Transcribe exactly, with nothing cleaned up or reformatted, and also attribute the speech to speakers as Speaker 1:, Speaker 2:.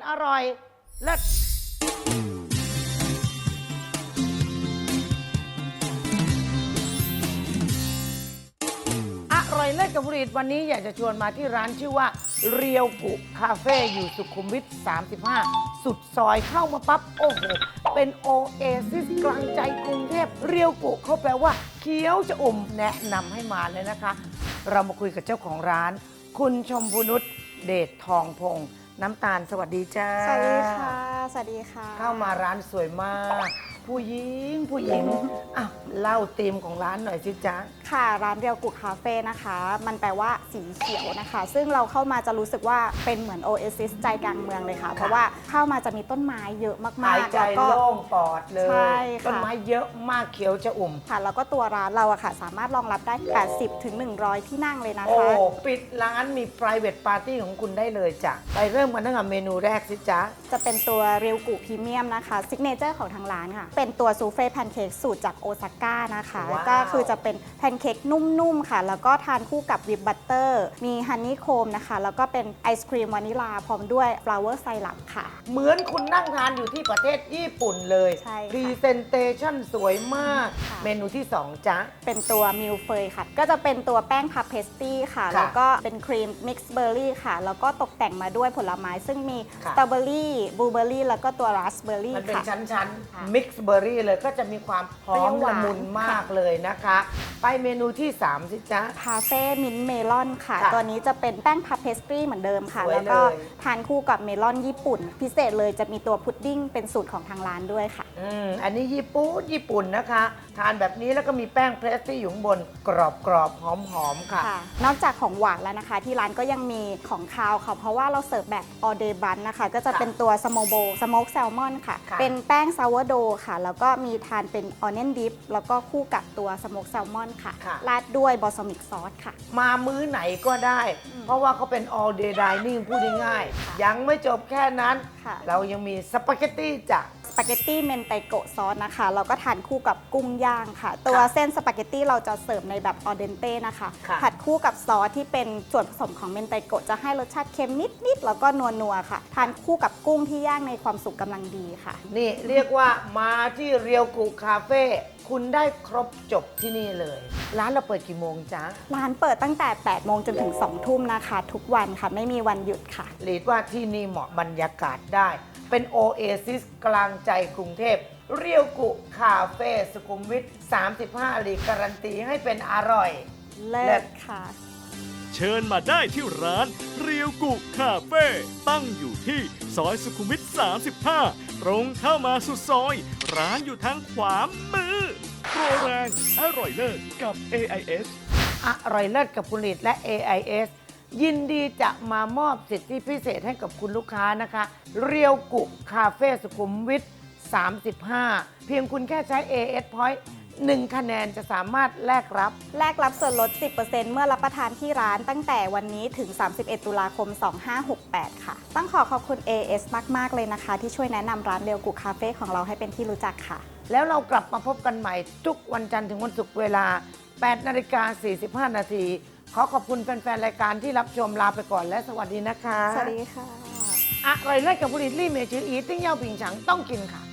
Speaker 1: อร่อยเลิศอร่อยเลิศกับผลิตวันนี้อยากจะชวนมาที่ร้านชื่อว่าเรียวกุคาเฟ่อยู่สุขุมวิทสามสิบห้าสุดซอยเข้ามาปั๊บโอ้โหเป็นโอเอซิสกลางใจกรุงเทพเรียวกุเขาแปลว่าเคี้ยวจะอุ่มแนะนำให้มาเลยนะคะ เรามาคุยกับเจ้าของร้าน คุณชมพูนุชเดชทองพงษ์น้ำตาลสวัสดีจ้า
Speaker 2: สวัสดีค่ะสวัสดีค่ะ
Speaker 1: เข้ามาร้านสวยมาก ผู้หญิงผู้หญิงอ่ะเล่าธีมของร้านหน่อยสิจ๊ะ
Speaker 2: ค่ะร้านเรียวกุคาเฟ่นะคะมันแปลว่าสีเขียวนะคะ ซึ่งเราเข้ามาจะรู้สึกว่าเป็นเหมือนโอเอซิสใจกลางเมืองเลยค่ะเพราะว่าเข้ามาจะมีต้นไม้เยอะมากๆ
Speaker 1: หายใจโล่งปอดเลย
Speaker 2: ใช่ค่ะ
Speaker 1: ต้นไม้เยอะมากเขียวจะอุ่ม
Speaker 2: ค่ะแล้วก็ตัวร้านเราอะค่ะสามารถรองรับได้ แปดสิบถึงหนึ่งร้อย ที่นั่งเลยนะคะ
Speaker 1: โอ้ปิดร้านมี private party ของคุณได้เลยจ้ะไปเริ่มกันตั้งแต่เมนูแรกสิจ๊ะ
Speaker 2: จะเป็นตัวเรียวกุพรีเมียมนะคะซิกเนเจอร์ของทางร้านค่ะเป็นตัวซูเฟ่แพนเค้กสูตรจากโอซาก้านะคะก็คือจะเป็นแพนเค้กนุ่มๆค่ะแล้วก็ทานคู่กับวิปบัตเตอร์มีฮันนี่โคมนะคะแล้วก็เป็นไอศครีมวานิลาพร้อมด้วยฟลาวเวอร์ไซรัปค่ะ
Speaker 1: เหมือนคุณนั่งทานอยู่ที่ประเทศญี่ปุ่นเลย
Speaker 2: ใช่ค่ะ
Speaker 1: พรีเซนเตชันสวยมากเมนูที่สองจ๊ะ
Speaker 2: เป็นตัวมิลเฟยค่ะก็จะเป็นตัวแป้งพับเพสตี้ค่ะแล้วก็เป็นครีมมิกซ์เบอร์รี่ค่ะแล้วก็ตกแต่งมาด้วยผลไม้ซึ่งมีสตรอเบอรี่บลูเบอร์รี่แล้วก็ตัวราสเบอร์รี่
Speaker 1: มันเป็น
Speaker 2: ค่ะ
Speaker 1: ชั้นๆมิกซ์เบอร์รี่เลยก็จะมีความหอมละมุนมากเลยนะคะไปเมนูที่สามสิจ๊ะ
Speaker 2: พาเฟ่มินท์เมลอนค่ะตัวนี้จะเป็นแป้งพับเพสตรีเหมือนเดิมค่ะแล้วก็ทานคู่กับเมลอนญี่ปุ่นพิเศษเลยจะมีตัวพุดดิ้งเป็นสูตรของทางร้านด้วยค่ะ
Speaker 1: อืมอันนี้ญี่ปุ่นญี่ปุ่นนะคะทานแบบนี้แล้วก็มีแป้งเพรสตี้อยู่ข้างบนกรอบกรอบหอมหอมค่ะ
Speaker 2: นอกจากของหวานแล้วนะคะที่ร้านก็ยังมีของคาวค่ะเพราะว่าเราเสิร์ฟแบบออเดย์บันนะคะก็จะเป็นตัวสโมโบสโมกแซลมอนค่ะเป็นแป้งซาวโดค่ะแล้วก็มีทานเป็นออนเนนดิฟแล้วก็คู่กับตัวสโมกแซลมอนค่ะราดด้วยบอสมิกซอสค่ะ
Speaker 1: มามื้อไหนก็ได้ เพราะว่าเขาเป็น all day dining พูดง่ายๆยังไม่จบแค่นั้นเรายังมีสปาเกตตี้จ้ะ
Speaker 2: สปาเกตตี้เมนไตโกะซอสนะคะเราก็ทานคู่กับกุ้งย่างค่ะตัวเส้นสปาเกตตี้เราจะเสิร์ฟในแบบออเดนเต้นะคะผัดคู่กับซอสที่เป็นส่วนผสมของเมนไตโกะจะให้รสชาติเค็มนิดๆแล้วก็นัวๆค่ะทานคู่กับกุ้งที่ย่างในความสุกกำลังดีค่ะ
Speaker 1: นี่เรียกว่ามาที่เรียวกุคาเฟ่คุณได้ครบจบที่นี่เลยร้านเราเปิดกี่โมงจ๊ะ
Speaker 2: ร้านเปิดตั้งแต่แปดโมงจนถึงสองทุ่มนะคะทุกวันค่ะไม่มีวันหยุดค่ะ
Speaker 1: เรียกว่าที่นี่เหมาะบรรยากาศได้เป็นโอเอซิสกลางใจกรุงเทพเรียวกุคาเฟ่สุขุมวิทสามสิบห้าหลีการันตีให้เป็นอร่อย
Speaker 2: เลิศค่ะ
Speaker 3: เชิญมาได้ที่ร้านเรียวกุคาเฟ่ตั้งอยู่ที่ซอยสุขุมวิทสามสิบห้าตรงเข้ามาสุดซอยร้านอยู่ทางขวามือโปรแรงอร่อยเลิศกับ เอ ไอ เอส
Speaker 1: อร่อยเลิศกับผลิตและ เอ ไอ เอส ยินดีจะมามอบสิทธิพิเศษให้กับคุณลูกค้านะคะเรียวกุคาเฟ่สุขุมวิทสามสิบห้าเพียงคุณแค่ใช้ เอ เอส Point หนึ่งคะแนนจะสามารถแลกรับ
Speaker 2: แลกรับส่วนลด สิบเปอร์เซ็นต์ เมื่อรับประทานที่ร้านตั้งแต่วันนี้ถึง สามสิบเอ็ด ตุลาคม สองห้าหกแปด ค่ะต้องขอขอบคุณ เอ เอส มากๆเลยนะคะที่ช่วยแนะนำร้านเรียวกุคาเฟ่ของเราให้เป็นที่รู้จักค่ะ
Speaker 1: แล้วเรากลับมาพบกันใหม่ทุกวันจันทร์ถึงวันศุกร์เวลา แปดนาฬิกาสี่สิบห้า นาทีขอขอบคุณแฟนๆรายการที่รับชมลาไปก่อนและสวัสดีนะคะ
Speaker 2: สวัสดีค่ะ
Speaker 1: อร่อยเลิศกับผลิตลี่เมจืออีติ้งเย่าผิงฉังต้องกินค่ะ